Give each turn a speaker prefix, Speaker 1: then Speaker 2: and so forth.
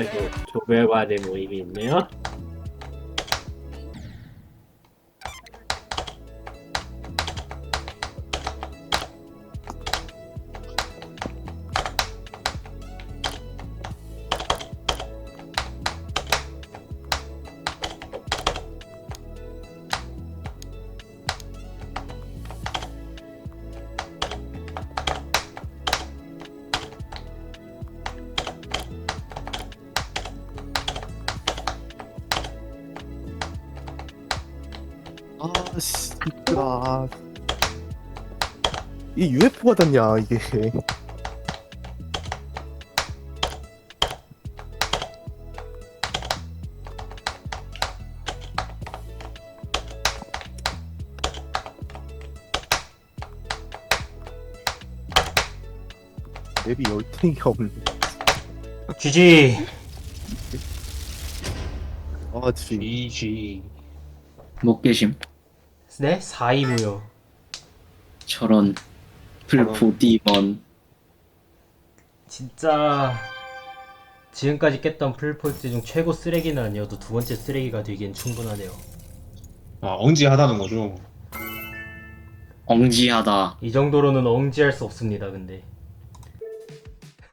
Speaker 1: 아이고, 조별과제 모임이 있네요.
Speaker 2: 아씨, 이쁘다. 이 UFO 같았냐 이게. 맵이 열탱이가 없네.
Speaker 3: GG.
Speaker 2: 아, 지.
Speaker 4: GG.
Speaker 5: 못 계심.
Speaker 3: 네? 4위 무효.
Speaker 5: 저런 풀포디먼.
Speaker 3: 진짜 지금까지 깼던 풀포스 중 최고 쓰레기는 아니어도 두 번째 쓰레기가 되기엔 충분하네요.
Speaker 4: 아, 엉지하다는 거죠.
Speaker 5: 엉지하다.
Speaker 3: 이 정도로는 엉지할 수 없습니다. 근데